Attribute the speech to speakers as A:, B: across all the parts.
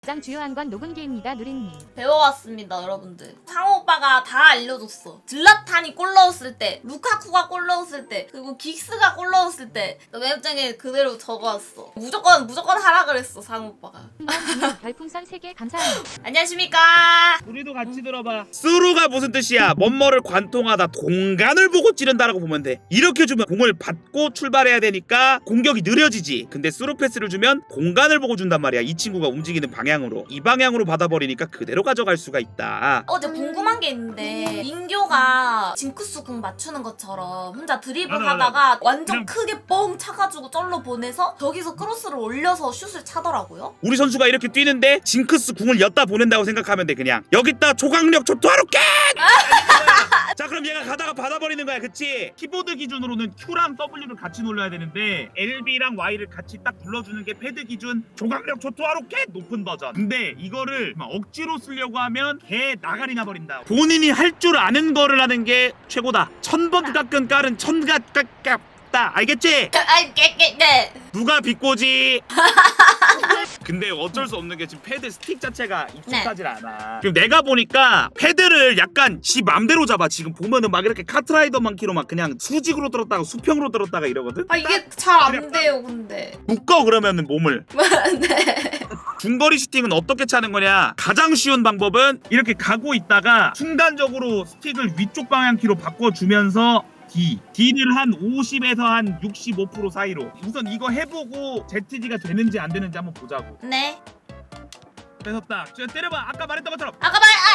A: 가장 주요한 건 녹음기입니다. 누린님.
B: 배워왔습니다, 여러분들. 상호 오빠가 다 알려줬어. 질라탄이 골 넣었을 때, 루카쿠가 골 넣었을 때, 그리고 긱스가 골 넣었을 때, 메모장에 그대로 적어왔어. 무조건 하라 그랬어, 상호 오빠가.
A: 별풍선 3개 감사합니다.
B: 안녕하십니까.
C: 우리도 같이 들어봐. 스루가 무슨 뜻이야? 뭔뭐를 관통하다 공간을 보고 찌른다라고 보면 돼. 이렇게 주면 공을 받고 출발해야 되니까 공격이 느려지지. 근데 스루 패스를 주면 공간을 보고 준단 말이야. 이 친구가 움직이는 방향으로. 이 방향으로 받아버리니까 그대로 가져갈 수가 있다.
B: 어제 궁금한 게 있는데 인교가 징크스 궁 맞추는 것처럼 혼자 드리블
C: 맞아.
B: 하다가 완전
C: 그냥-
B: 크게 뻥 차가지고 쩔로 보내서 저기서 크로스를 올려서 슛을 차더라고요.
C: 우리 선수가 이렇게 뛰는데 징크스 궁을 엿다 보낸다고 생각하면 돼. 그냥 여기다 조각력 초토하로 깨! 자, 그럼 얘가 가다가 받아버리는 거야. 그치? 키보드 기준으로는 Q랑 W를 같이 눌러야 되는데 LB랑 Y를 같이 딱 눌러주는 게 패드 기준 조각력 초토하로 깨! 높은 버전. 근데 이거를 막 억지로 쓰려고 하면 개 나가리 나버린다. 본인이 할 줄 아는 거를 하는 게 최고다. 1000번 깎은 깔은 천갓 깎다. 알겠지?
B: 아이 깨깨
C: 누가 비꼬지? 근데 어쩔 수 없는 게 지금 패드 스틱 자체가 익숙하질 않아. 지금 내가 보니까 패드를 약간 지 맘대로 잡아. 지금 보면은 막 이렇게 카트라이더 만키로 막 그냥 수직으로 들었다가 수평으로 들었다가 이러거든.
B: 아 이게 잘 안 돼요 근데.
C: 묶어 그러면은 몸을.
B: 네.
C: 중거리 슈팅은 어떻게 차는 거냐? 가장 쉬운 방법은 이렇게 가고 있다가 순간적으로 스틱을 위쪽 방향키로 바꿔주면서 D를 한 50에서 한 65% 사이로 우선 이거 해보고 ZG가 되는지 안 되는지 한번 보자고.
B: 네.
C: 뺏었다. 때려봐. 아까 말했던 것처럼.
B: 아까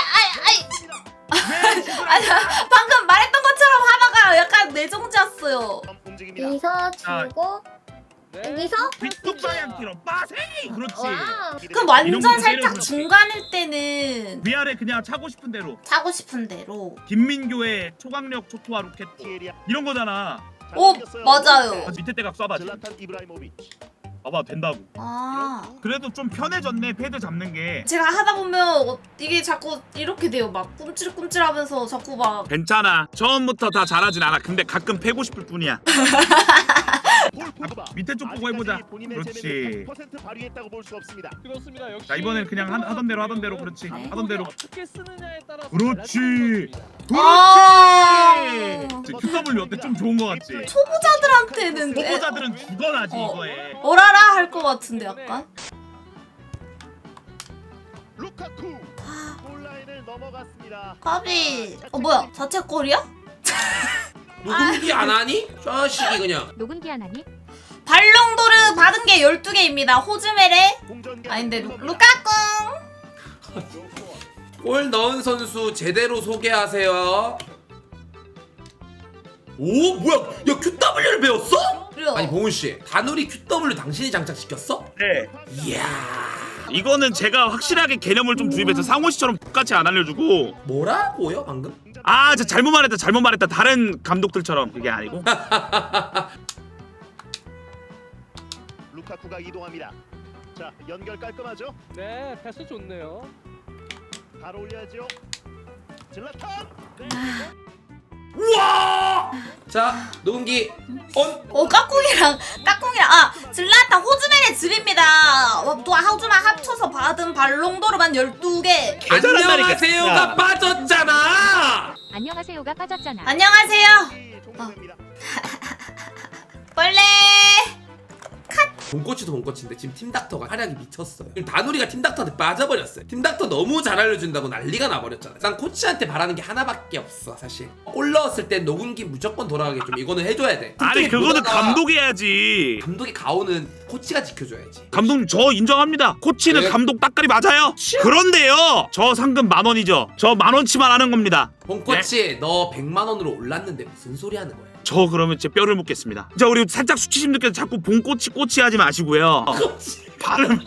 C: 왜 슛을 안 해?
B: 방금 말했던 것처럼 하다가 약간 뇌정지였어요.
D: 여기서 주고 여기서
C: 위쪽 방향키로 빠세이. 그렇지.
D: 와.
B: 그럼
C: 이런
B: 완전
C: 거
B: 살짝
C: 때려서
B: 중간일 때는
C: 위아래 그냥 차고 싶은 대로.
B: 차고 싶은 대로.
C: 김민교의 초강력 초토화 로켓 이런 거잖아.
B: 오 맞아요.
C: 아, 밑에 대각 쏴봐.
E: 질라탄 이브라이모비치.
C: 봐봐 된다고.
B: 아
C: 그래도 좀 편해졌네 패드 잡는 게.
B: 제가 하다 보면 이게 자꾸 이렇게 돼요. 막 꿈찔꿈찔하면서 자꾸 막.
C: 괜찮아. 처음부터 다 잘하진 않아. 근데 가끔 패고 싶을 뿐이야. 밑에 쪽 보고 해보자. 그렇지.
E: 100% 발휘했다고 볼 수 없습니다.
F: 그렇습니다. 역시
C: 자, 이번엔 그냥 하던 대로 그렇지.
B: 네.
C: 하던 대로.
F: 어떻게 쓰느냐에 따라서
C: 그렇지.
B: 아
C: QW 어때? 좀 좋은 거 같지?
B: 초보자들한테는
C: 초보자들은 죽어나지
B: 어.
C: 이거에.
B: 오라라 할 것 같은데 약간.
E: 루카쿠 골라인을 넘어갔습니다.
B: 까비. 뭐야 자책골이야?
G: 녹음기 안 하니? 자식이 그냥.
A: 녹음기 하나니?
B: 발롱도르 받은 게 12개입니다. 호즈메레. 아닌데 루카꿍.
G: 골 넣은 선수 제대로 소개하세요. 오 뭐야? 야 QW를 배웠어?
B: 그래요.
G: 아니 봉훈 씨, 다누리 QW 당신이 장착시켰어?
C: 네.
G: 이야.
C: 이거는 제가 확실하게 개념을 좀 주입해서 상호 씨처럼 똑같이 안 알려주고.
G: 뭐라고요 방금?
C: 아, 저 잘못 말했다. 다른 감독들처럼 그게 아니고.
E: 루카쿠가 이동합니다. 자 연결 깔끔하죠?
F: 네 패스 좋네요.
E: 바로 올려야죠. 질라탄.
G: 우와! 자 녹음기 온.
B: 까꿍이랑 아 질라타 호즈메레 드립니다. 또 호즈마 합쳐서 받은 발롱도르만 12개.
G: 안녕하세요가 빠졌잖아.
A: 안녕하세요가 빠졌잖아.
B: 안녕하세요.
E: 종료됩니다.
B: 원래
G: 본코치도 본코치인데 지금 팀닥터가 활약이 미쳤어요. 지금 다누리가 팀닥터한테 빠져버렸어요. 팀닥터 너무 잘 알려준다고 난리가 나버렸잖아. 난 코치한테 바라는 게 하나밖에 없어 사실. 골 넣었을 땐 녹음기 무조건 돌아가게 좀 이거는 해줘야 돼.
C: 아니, 그거는
G: 못하다가
C: 감독이 해야지.
G: 감독의 가오는 코치가 지켜줘야지.
C: 감독님 저 인정합니다. 코치는
G: 네.
C: 감독 따까리 맞아요. 그런데요, 저 상금 10,000원이죠. 저 10,000원치만 하는 겁니다.
G: 본코치 너 100만 원으로 올랐는데 무슨 소리 하는 거야?
C: 저 그러면 제 뼈를 묻겠습니다. 자, 우리 살짝 수치심들께서 자꾸 본꼬치 하지 마시고요. 발음.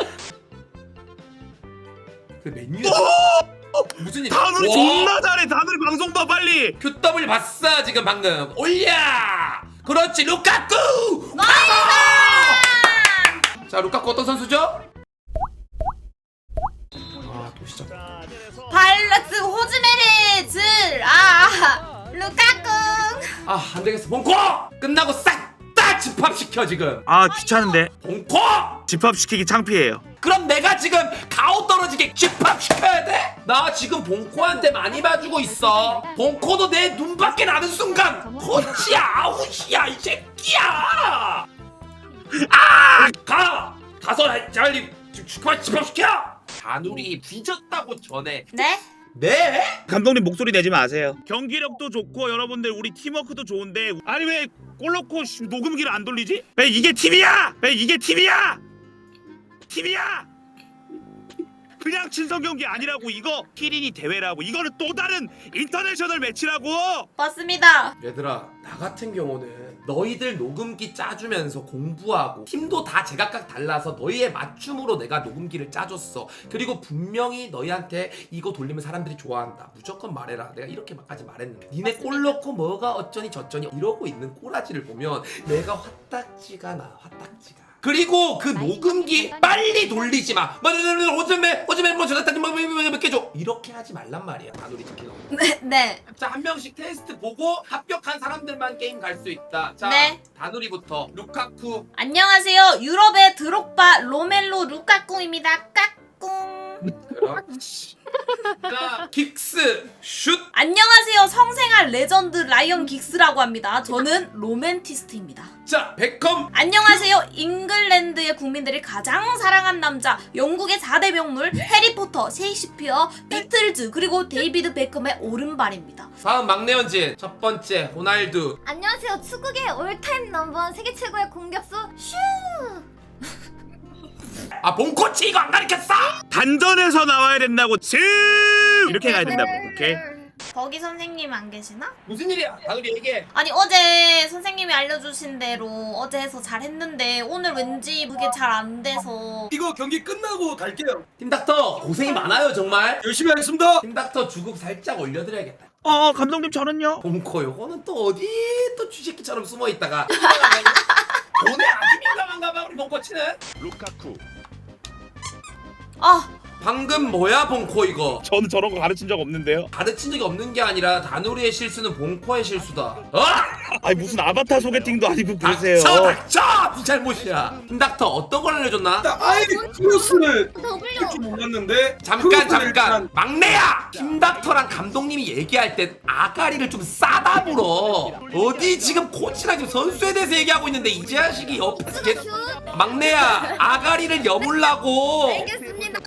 G: 그 메뉴 무슨 일?
C: 다누리
G: 와,
C: 존나 잘해. 다누리 방송 봐 빨리.
G: QW 봤어 지금 방금. 올려. 그렇지 루카쿠. 자 루카쿠 어떤 선수죠? 아또 시작.
E: 자 내려서
B: 발라스 호즈메레 루카꿍.
G: 아 안되겠어 본코 끝나고 싹 다 집합시켜 지금.
C: 아, 귀찮은데.
G: 본코
C: 집합시키기 창피해요.
G: 그럼 내가 지금 가오 떨어지게 집합시켜야 돼? 나 지금 봉코한테 많이 봐주고 있어. 봉코도 내 눈밖에 나는 순간 코치야 아웃이야 이 새끼야. 가서 잘 그만 집합시켜. 다누리 뒤졌다고 전에.
B: 네?
G: 네?
C: 감독님 목소리 내지 마세요. 경기력도 좋고 여러분들 우리 팀워크도 좋은데 아니 왜 골 넣고 녹음기를 안 돌리지? 왜 이게 팀이야? 왜 이게 팀이야? 팀이야? 그냥 친선 경기 아니라고. 이거 키린이 대회라고. 이거는 또 다른 인터내셔널 매치라고.
B: 맞습니다.
G: 얘들아 나 같은 경우는 너희들 녹음기 짜주면서 공부하고 팀도 다 제각각 달라서 너희의 맞춤으로 내가 녹음기를 짜줬어. 그리고 분명히 너희한테 이거 돌리면 사람들이 좋아한다 무조건 말해라 내가 이렇게까지 말했는데 니네 골 넣고 뭐가 어쩌니 저쩌니 이러고 있는 꼬라지를 보면 내가 화딱지가 나 화딱지가. 그리고 그 녹음기 빨리 돌리지 마. 오줌에 뭐 저랬더니 몇 개 줘. 이렇게 하지 말란 말이야. 다누리 지키는.
B: 네.
G: 자, 한 명씩 테스트 보고 합격한 사람들만 게임 갈 수 있다. 자,
B: 네.
G: 다누리부터 루카쿠.
B: 안녕하세요. 유럽의 드록바 로멜로 루카꿍입니다. 까꿍.
G: 그렇지. 자, 긱스 슛.
B: 안녕하세요. 성생활 레전드 라이언 긱스라고 합니다. 저는 로맨티스트입니다.
G: 자, 베컴.
B: 안녕하세요. 잉글랜드의 국민들이 가장 사랑한 남자, 영국의 4대 명물 해리포터, 셰익스피어, 비틀즈, 그리고 데이비드 베컴의 오른발입니다.
G: 다음 막내 연진. 첫 번째 호날두.
D: 안녕하세요. 축구계 올타임 넘버원 세계 최고의 공격수 슈.
G: 아, 본코치 이거 안 가르쳤어?
C: 단전에서 나와야 된다고. 이렇게 가야 된다고. 오케이.
B: 거기 선생님 안 계시나?
G: 무슨 일이야? 다누리 얘기해.
B: 아니 어제 선생님이 알려주신 대로 어제 해서 잘했는데 오늘 왠지 그게 잘 안 돼서.
H: 이거 경기 끝나고 갈게요.
G: 팀닥터 고생이 많아요 정말.
H: 열심히 하겠습니다.
G: 팀닥터 주급 살짝 올려드려야겠다.
C: 감독님 저는요.
G: 본코 요거는 또 어디 또 쥐새끼처럼 숨어있다가 돈에 아주 민감한가 봐 우리 본코치는.
E: 루카쿠.
B: 아
G: 방금 뭐야 본코 이거.
C: 저는 저런 거 가르친 적 없는데요.
G: 가르친 적이 없는 게 아니라 다누리의 실수는 본코의 실수다.
C: 아니 무슨 아바타 소개팅도 아니고 그러세요.
G: 닥쳐! 네 잘못이야. 팀닥터 어떤 걸 알려줬나?
H: 아이 크로스를
D: W.
H: 좀 몰랐는데.
G: 잠깐 막내야! 팀닥터랑 감독님이 얘기할 땐 아가리를 좀 싸다 불어. 어디 지금 코치랑 지금 선수에 대해서 얘기하고 있는데 이 자식이 옆에서 계속 막내야 아가리를 여물라고.
D: 알겠습니다.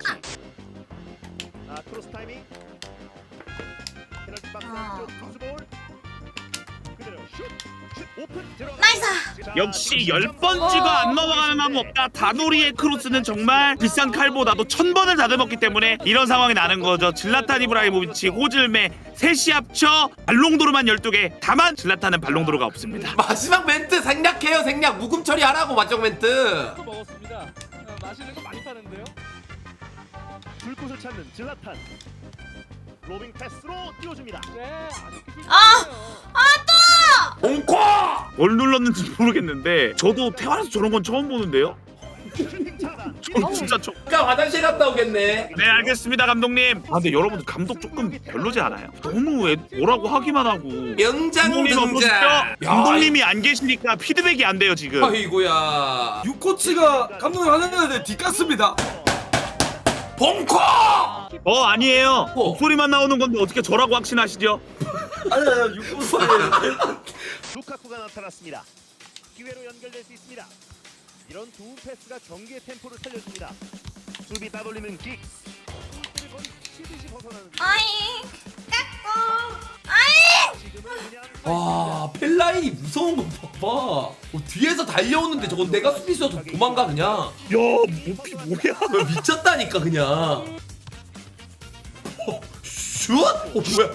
E: 크로스 타이밍. 페널티 박스
B: 아.
E: 안쪽 크로스볼. 그대로 슛. 오픈 들어가.
B: 나이스.
C: 역시 10번 찍어 안 넘어가는 마음 없다. 다누리의 크로스는 정말 비싼 칼보다도 1000번을 다듬었기 때문에 이런 상황이 나는 거죠. 질라탄 이브라이모비치, 호즐메 셋이 합쳐 발롱도르만 12개. 다만 질라탄은 발롱도르가 없습니다.
G: 마지막 멘트 생략해요 생략. 묵음 처리하라고 마지막 멘트.
F: 또 먹었습니다. 마시는 거 많이 파는데요.
E: 불꽃을 찾는 질라탄. 로빙 패스로 띄워줍니다.
F: 네, 아주 기술
B: 아!
F: 좋네요.
G: 본코!
C: 뭘 눌렀는지 모르겠는데 저도 태어나서 저런 건 처음 보는데요.
E: 슈팅 차단.
C: 진짜 저...
G: 그러니까 화장실 갔다 오겠네.
C: 네 알겠습니다 감독님. 근데 여러분들 감독 조금 별로지 않아요? 너무 뭐라고 하기만 하고
G: 명장
C: 감독님
G: 등장.
C: 어떠시죠? 감독님이 안 계시니까 피드백이 안 돼요 지금.
G: 아이고야.
H: 유코치가 감독님 하는데 뒷갔습니다.
G: 본코!
C: 아니에요. 목소리만 나오는 건데 어떻게 저라고 확신하시죠?
H: 아니야 유코치.
E: 루카쿠가 나타났습니다. 기회로 연결될 수 있습니다. 이런 두 패스가 경기의 템포를 살려줍니다. 수비 따돌리는 킥. 골대를 거의 치듯이 벗어나는.
B: 아이 까꿍. 아이.
E: 지금은 그냥
G: 와 펠라인이 무서운 거 봐봐. 뒤에서 달려오는데 저건 내가 수비수여도 도망가 그냥.
C: 야 모피 뭐야?
G: 미쳤다니까 그냥. 슛? 뭐야?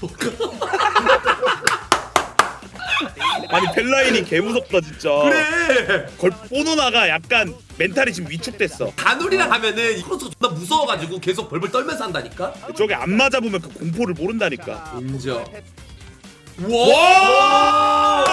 C: 아니 벨라인이 개 무섭다 진짜.
G: 그래.
C: 보노나가 약간 멘탈이 지금 위축됐어.
G: 다누리랑 하면은 크로스가 존나 무서워가지고 계속 벌벌 떨면서 한다니까.
C: 저게 안 맞아보면 그 공포를 모른다니까.
G: 인정.
C: 와!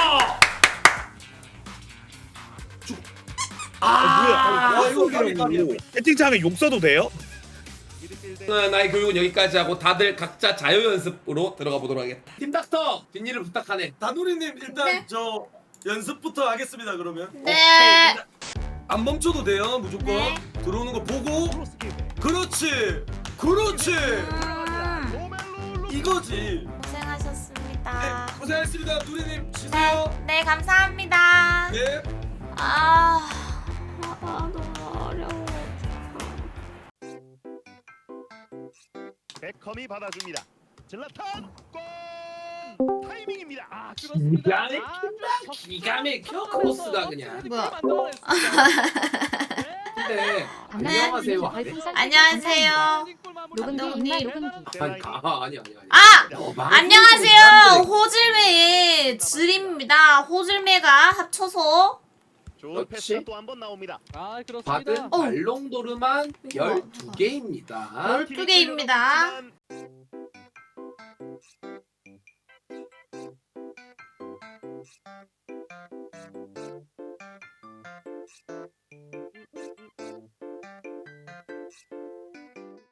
G: 아,
C: 뭐야? 이거 채팅창에 욕 써도 돼요?
G: 나의 교육은 여기까지 하고 다들 각자 자유 연습으로 들어가 보도록 하겠다. 팀닥터 뒷일을 부탁하네.
H: 다누리님 일단
D: 네.
H: 저 연습부터 하겠습니다 그러면.
B: 네.
H: 안 멈춰도 돼요 무조건.
B: 네.
H: 들어오는 거 보고.
E: 크로스 기회.
H: 그렇지. 그렇지.
E: 로멜로
H: 이거지.
B: 고생하셨습니다.
H: 네, 고생했습니다. 누리님
B: 네,
H: 쉬세요.
B: 네 감사합니다.
H: 네.
B: 너무 어려워.
E: 베컴이 받아줍니다. 질라탄 골! 타이밍입니다.
F: 아 그렇습니다.
G: 기가 막혀 크로스가 그냥.
B: 뭐야?
G: 근데
A: 강남님
G: 안녕하세요.
A: 별풍선
B: 안녕하세요.
A: 녹음기
B: 감독님.
A: 입맛 녹음기.
G: 아니.
B: 안녕하세요. 호질매의 질입니다. 호질매가 합쳐서
E: 좋은
G: 그렇지.
E: 패스가 또 한 번 나옵니다.
F: 아
G: 받은
F: 그렇습니다.
G: 발롱도르만 12개입니다.
B: 12개입니다.